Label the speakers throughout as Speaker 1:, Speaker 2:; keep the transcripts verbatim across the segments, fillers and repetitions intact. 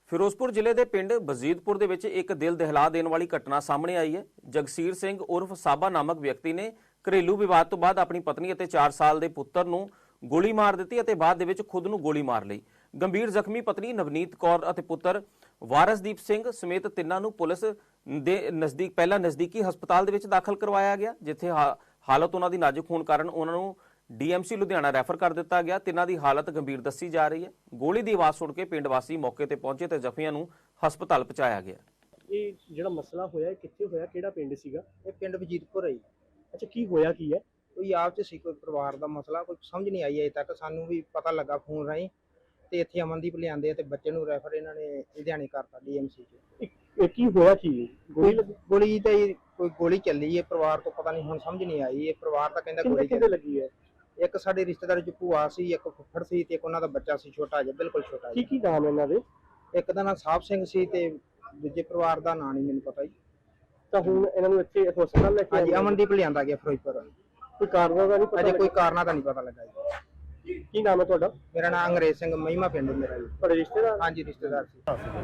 Speaker 1: ਫਿਰੋਜ਼ਪੁਰ ਜ਼ਿਲ੍ਹੇ ਦੇ ਪਿੰਡ ਬਜ਼ੀਦਪੁਰ ਦੇ ਵਿੱਚ ਇੱਕ ਦਿਲ ਦਹਿਲਾ ਦੇਣ ਵਾਲੀ ਘਟਨਾ ਸਾਹਮਣੇ ਆਈ ਹੈ। ਜਗਸੀਰ ਸਿੰਘ ਉਰਫ ਸਾਬਾ ਨਾਮਕ ਵਿਅਕਤੀ ਨੇ ਘਰੇਲੂ ਵਿਵਾਦ ਤੋਂ ਬਾਅਦ ਆਪਣੀ ਪਤਨੀ ਅਤੇ ਚਾਰ ਸਾਲ ਦੇ ਪੁੱਤਰ ਨੂੰ ਗੋਲੀ ਮਾਰ ਦਿੱਤੀ ਅਤੇ ਬਾਅਦ ਦੇ ਵਿੱਚ ਖੁਦ ਨੂੰ ਗੋਲੀ ਮਾਰ ਲਈ। ਗੰਭੀਰ ਜ਼ਖਮੀ ਪਤਨੀ ਨਵਨੀਤ ਕੌਰ ਅਤੇ ਪੁੱਤਰ ਵਾਰਸਦੀਪ ਸਿੰਘ ਸਮੇਤ ਤਿੰਨਾਂ ਨੂੰ ਪੁਲਿਸ ਦੇ ਨਜ਼ਦੀਕ ਪਹਿਲਾਂ ਨਜ਼ਦੀਕੀ ਹਸਪਤਾਲ ਦੇ ਵਿੱਚ ਦਾਖਲ ਕਰਵਾਇਆ ਗਿਆ, ਜਿੱਥੇ ਹਾਲਤ ਉਹਨਾਂ ਦੀ ਨਾਜ਼ੁਕ ਹੋਣ ਕਾਰਨ ਉਹਨਾਂ ਨੂੰ ਡੀਐਮਸੀ ਲੁਧਿਆਣਾ ਰੈਫਰ ਕਰ ਦਿੱਤਾ ਗਿਆ। ਤਿੰਨਾਂ ਦੀ ਹਾਲਤ ਗੰਭੀਰ ਦੱਸੀ ਜਾ ਰਹੀ ਹੈ। ਗੋਲੀ ਦੀ ਆਵਾਜ਼ ਸੁਣ ਕੇ ਪਿੰਡ ਵਾਸੀ ਮੌਕੇ ਤੇ ਪਹੁੰਚੇ ਤੇ ਜ਼ਖਮੀਆਂ ਨੂੰ ਹਸਪਤਾਲ ਪਹੁੰਚਾਇਆ ਗਿਆ।
Speaker 2: ਇਹ ਜਿਹੜਾ ਮਸਲਾ ਹੋਇਆ ਕਿੱਥੇ ਹੋਇਆ, ਕਿਹੜਾ ਪਿੰਡ ਸੀਗਾ?
Speaker 3: ਇਹ ਪਿੰਡ ਵਜੀਦਪੁਰ ਹੈ ਜੀ।
Speaker 2: ਅੱਛਾ, ਕੀ ਹੋਇਆ ਕੀ ਹੈ?
Speaker 3: ਕੋਈ ਆਪ ਚ ਸੀ, ਕੋਈ ਪਰਿਵਾਰ ਦਾ ਮਸਲਾ, ਕੋਈ ਸਮਝ ਨਹੀਂ ਆਈ ਅਜੇ ਤੱਕ। ਸਾਨੂੰ ਵੀ ਪਤਾ ਲੱਗਾ ਫੋਨ ਰਾਹੀਂ ਤੇ ਇੱਥੇ ਅਮਨਦੀਪ ਲਿਆਂਦੇ ਤੇ ਬੱਚੇ ਨੂੰ ਰੈਫਰ ਇਹਨਾਂ ਨੇ ਲੁਧਿਆਣੇ ਕਰਤਾ ਡੀਐਮਸੀ ਚ।
Speaker 2: ਇਹ ਕੀ ਹੋਇਆ ਕੀ?
Speaker 3: ਗੋਲੀ ਗੋਲੀ ਤਾਂ ਜੀ ਕੋਈ ਗੋਲੀ ਚੱਲੀ ਹੈ, ਪਰਿਵਾਰ ਤੋਂ ਪਤਾ ਨਹੀਂ, ਹੁਣ ਸਮਝ ਨਹੀਂ ਆਈ। ਇਹ ਪਰਿਵਾਰ ਤਾਂ ਕਹਿੰਦਾ ਗੋਲੀ
Speaker 2: ਕਿਹਦੇ ਲੱਗੀ ਹੈ?
Speaker 3: ਇੱਕ ਸਾਡੇ ਰਿਸ਼ਤੇਦਾਰ ਚ ਭੂਆ ਸੀ, ਇੱਕ ਫੁੱਫੜ ਸੀ ਤੇ ਇੱਕ ਉਹਨਾਂ ਦਾ ਬੱਚਾ ਸੀ ਛੋਟਾ ਜਿਹਾ, ਬਿਲਕੁਲ ਛੋਟਾ
Speaker 2: ਕੀ
Speaker 3: ਜਿਹਾ।
Speaker 2: ਕੀ ਨਾਮ ਇਹਨਾਂ ਦੇ?
Speaker 3: ਇੱਕ ਦਾ ਨਾਮ ਸਾਹਿਬ ਸਿੰਘ ਸੀ ਤੇ ਦੂਜੇ ਪਰਿਵਾਰ ਦਾ ਨਾਂ ਨਹੀਂ ਮੈਨੂੰ ਪਤਾ ਜੀ।
Speaker 2: ਤਾਂ ਹੁਣ ਇਹਨਾਂ ਨੂੰ ਇੱਥੇ ਹਸਪਤਾਲ ਲੈ ਕੇ
Speaker 3: ਹਾਂਜੀ, ਅਮਨਦੀਪ ਲਿਆਂਦਾ ਗਿਆ ਫਿਰੋਜ਼ਪੁਰ।
Speaker 2: ਕੋਈ ਕਾਰਨ ਦਾ ਨਹੀਂ ਪਤਾ?
Speaker 3: ਅਜੇ ਕੋਈ ਕਾਰਨਾਂ ਦਾ ਨਹੀਂ ਪਤਾ ਲੱਗਾ ਜੀ।
Speaker 2: ਕੀ ਨਾਮ ਹੈ ਤੁਹਾਡਾ?
Speaker 3: ਮੇਰਾ ਨਾਮ ਅੰਗਰੇਜ਼ ਸਿੰਘ, ਮਹਿਮਾ ਪਿੰਡ ਮੇਰਾ ਜੀ।
Speaker 2: ਤੁਹਾਡੇ ਰਿਸ਼ਤੇਦਾਰ?
Speaker 3: ਹਾਂਜੀ, ਰਿਸ਼ਤੇਦਾਰ ਸੀ।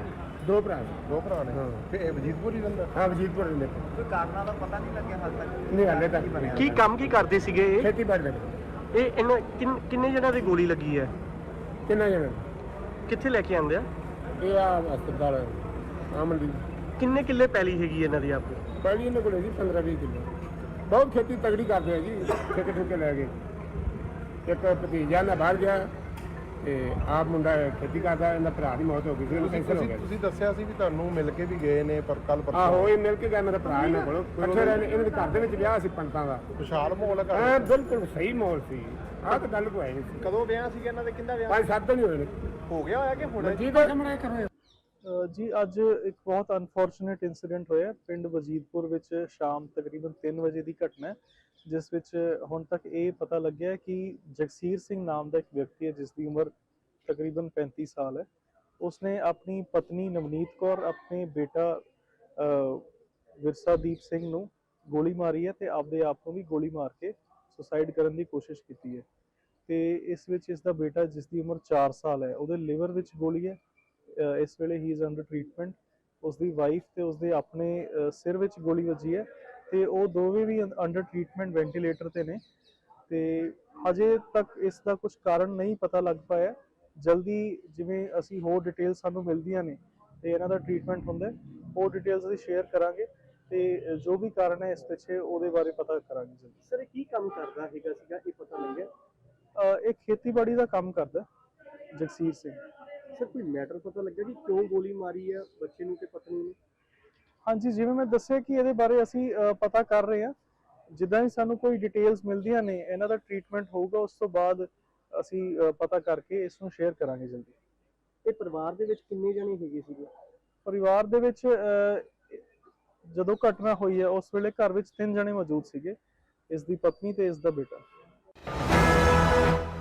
Speaker 4: ਦੋ ਭਰਾ ਦੋ ਭਰਾ ਨੇ ਤੇ ਇਹ ਵਜੀਦਪੁਰ ਹੀ ਰਹਿੰਦਾ। ਹਾਂ, ਵਜੀਦਪੁਰ ਰਹਿੰਦੇ।
Speaker 3: ਕੋਈ ਕਾਰਨਾਂ ਦਾ ਪਤਾ ਨਹੀਂ ਲੱਗਿਆ ਹਾਲ ਤੱਕ।
Speaker 4: ਨਹੀਂ, ਹਾਲੇ ਤੱਕ ਬਣਿਆ।
Speaker 2: ਕੀ ਕੰਮ ਕੀ ਕਰਦੇ ਸੀਗੇ ਇਹ?
Speaker 4: ਖੇਤੀਬਾੜੀ ਦਾ।
Speaker 2: ਇਹ ਇਹਨਾਂ ਕਿੰਨ- ਕਿੰਨੇ ਜਣਾਂ ਦੀ ਗੋਲੀ ਲੱਗੀ ਹੈ?
Speaker 4: ਕਿੰਨਾ ਜਣੇ?
Speaker 2: ਕਿੱਥੇ ਲੈ ਕੇ ਆਂਦੇ ਆ?
Speaker 4: ਇਹ ਆ ਹਸਪਤਾਲ ਆਮਲੀ।
Speaker 2: ਕਿੰਨੇ ਕਿੱਲੇ ਪੈਲੀ ਹੈਗੀ ਇਹਨਾਂ ਦੀ ਆਪਣੀ?
Speaker 4: ਪਹਿਲੀ ਇਹਨਾਂ ਕੋਲ ਜੀ ਪੰਦਰਾਂ ਵੀਹ ਕਿਲੋ। ਬਹੁਤ ਖੇਤੀ ਤਗੜੀ ਕਰਦੇ ਆ ਜੀ, ਠੇਕੇ ਠੁਕੇ ਲੈ ਗਏ। ਇੱਕ ਭਤੀਜਾ ਨਾ ਬਾਹਰ ਗਿਆ ਤੇ ਆਪ ਮੁੰਡਾ ਖੇਤੀ ਕਰਦਾ, ਇਹਨਾਂ ਭਰਾ ਦੀ ਮੌਤ ਹੋ ਗਈ ਸੀ, ਉਹਨੂੰ ਕੈਂਸਰ ਹੋ ਗਿਆ।
Speaker 5: ਤੁਸੀਂ ਦੱਸਿਆ ਸੀ ਵੀ ਤੁਹਾਨੂੰ ਮਿਲ ਕੇ ਵੀ ਗਏ ਨੇ, ਪਰ ਕੱਲ ਪਰਸੋਂ
Speaker 4: ਆਹੋ, ਇਹ ਮਿਲ ਕੇ ਗਿਆ ਮੇਰਾ ਭਰਾ ਇਹਨਾਂ ਕੋਲ। ਇਕੱਠੇ ਰਹਿੰਦੇ, ਇਹਨਾਂ ਦੇ ਘਰ ਦੇ ਵਿੱਚ ਵਿਆਹ ਸੀ ਪੰਡਤਾਂ ਦਾ।
Speaker 5: ਵਿਸ਼ਾਲ ਮਾਹੌਲ ਹੈ
Speaker 4: ਹਾਂ,
Speaker 5: ਘਰ।
Speaker 4: ਬਿਲਕੁਲ ਸਹੀ ਮਾਹੌਲ ਸੀ। ਆਹ ਤਾਂ ਗੱਲ ਕੋਈ ਹੈ ਨਹੀਂ ਸੀ।
Speaker 5: ਕਦੋਂ ਵਿਆਹ ਸੀਗਾ ਇਹਨਾਂ ਦੇ? ਕਿੰਦਾ ਵਿਆਹ
Speaker 4: ਪੰਜ ਸੱਤ ਦਿਨ ਹੀ ਹੋਏ ਨੇ।
Speaker 5: ਹੋ ਗਿਆ ਹੋਇਆ ਕਿ ਹੁਣ?
Speaker 4: ਜੀ ਦਾ ਕਮਰਾ ਕਰੋ।
Speaker 6: ਜੀ ਅੱਜ ਇੱਕ ਬਹੁਤ ਅਨਫੋਰਚੂਨੇਟ ਇਨਸੀਡੈਂਟ ਹੋਇਆ ਪਿੰਡ ਵਜੀਦਪੁਰ ਵਿੱਚ ਸ਼ਾਮ ਤਕਰੀਬਨ ਤਿੰਨ ਵਜੇ ਦੀ ਘਟਨਾ ਹੈ, ਜਿਸ ਵਿੱਚ ਹੁਣ ਤੱਕ ਇਹ ਪਤਾ ਲੱਗਿਆ ਕਿ ਜਗਸੀਰ ਸਿੰਘ ਨਾਮ ਦਾ ਇੱਕ ਵਿਅਕਤੀ ਹੈ ਜਿਸ ਦੀ ਉਮਰ ਤਕਰੀਬਨ ਪੈਂਤੀ ਸਾਲ ਹੈ। ਉਸਨੇ ਆਪਣੀ ਪਤਨੀ ਨਵਨੀਤ ਕੌਰ, ਆਪਣੇ ਬੇਟਾ ਵਿਰਸਾਦੀਪ ਸਿੰਘ ਨੂੰ ਗੋਲੀ ਮਾਰੀ ਹੈ ਤੇ ਆਪਦੇ ਆਪ ਨੂੰ ਵੀ ਗੋਲੀ ਮਾਰ ਕੇ ਸੁਸਾਈਡ ਕਰਨ ਦੀ ਕੋਸ਼ਿਸ਼ ਕੀਤੀ ਹੈ। ਤੇ ਇਸ ਵਿੱਚ ਇਸ ਦਾ ਬੇਟਾ ਜਿਸ ਦੀ ਉਮਰ ਚਾਰ ਸਾਲ ਹੈ, ਉਹਦੇ ਲਿਵਰ ਵਿੱਚ ਗੋਲੀ ਹੈ। ਇਸ ਵੇਲੇ ਹੀ ਇਜ਼ ਅੰਡਰ ਟ੍ਰੀਟਮੈਂਟ। ਉਸਦੀ ਵਾਈਫ ਤੇ ਉਸਦੇ ਆਪਣੇ ਸਿਰ ਵਿੱਚ ਗੋਲੀ ਵੱਜੀ ਹੈ ਤੇ ਉਹ ਦੋਵੇਂ ਵੀ ਅੰਡਰ ਟ੍ਰੀਟਮੈਂਟ ਵੈਂਟੀਲੇਟਰ ਤੇ ਨੇ ਤੇ ਹਜੇ ਤੱਕ ਇਸ ਦਾ ਕੁਝ ਕਾਰਨ ਨਹੀਂ ਪਤਾ ਲੱਗ ਪਾਇਆ। ਜਲਦੀ ਜਿਵੇਂ ਅਸੀਂ ਹੋਰ ਡਿਟੇਲ ਸਾਨੂੰ ਮਿਲਦੀਆਂ ਨੇ ਤੇ ਇਹਨਾਂ ਦਾ ਟ੍ਰੀਟਮੈਂਟ ਹੁੰਦਾ, ਹੋਰ ਡਿਟੇਲਸ ਅਸੀਂ ਸ਼ੇਅਰ ਕਰਾਂਗੇ ਤੇ ਜੋ ਵੀ ਕਾਰਨ ਹੈ ਇਸ ਪਿੱਛੇ ਉਹਦੇ ਬਾਰੇ ਪਤਾ ਕਰਾਂਗੇ ਜਲਦੀ।
Speaker 2: ਸਰ, ਇਹ ਕੀ ਕੰਮ ਕਰਦਾ ਹੈਗਾ ਸੀਗਾ, ਇਹ ਪਤਾ ਲੱਗਿਆ?
Speaker 6: ਇਹ ਖੇਤੀਬਾੜੀ ਦਾ ਕੰਮ ਕਰਦਾ ਜਗਸੀਰ ਸਿੰਘ।
Speaker 2: ਸਰ, ਕੋਈ ਮੈਟਰ ਪਤਾ ਲੱਗਿਆ ਕਿ ਕਿਉਂ ਗੋਲੀ ਮਾਰੀ ਹੈ ਬੱਚੇ ਨੂੰ ਤੇ ਪਤਨੀ ਨੂੰ?
Speaker 6: ਹਾਂਜੀ, ਜਿਵੇਂ ਮੈਂ ਦੱਸਿਆ ਕਿ ਇਹਦੇ ਬਾਰੇ ਅਸੀਂ ਪਤਾ ਕਰ ਰਹੇ ਹਾਂ। ਜਿੱਦਾਂ ਹੀ ਸਾਨੂੰ ਕੋਈ ਡਿਟੇਲਸ ਮਿਲਦੀਆਂ ਨੇ, ਇਹਨਾਂ ਦਾ ਟ੍ਰੀਟਮੈਂਟ ਹੋਊਗਾ, ਉਸ ਤੋਂ ਬਾਅਦ ਅਸੀਂ ਪਤਾ ਕਰਕੇ ਇਸ ਨੂੰ ਸ਼ੇਅਰ ਕਰਾਂਗੇ ਜਲਦੀ।
Speaker 2: ਇਹ ਪਰਿਵਾਰ ਦੇ ਵਿੱਚ ਕਿੰਨੇ ਜਣੇ ਹੈਗੇ ਸੀਗੇ?
Speaker 6: ਪਰਿਵਾਰ ਦੇ ਵਿੱਚ ਜਦੋਂ ਘਟਨਾ ਹੋਈ ਹੈ ਉਸ ਵੇਲੇ ਘਰ ਵਿੱਚ ਤਿੰਨ ਜਣੇ ਮੌਜੂਦ ਸੀਗੇ, ਇਸ ਦੀ ਪਤਨੀ ਤੇ ਇਸ ਦਾ ਬੇਟਾ।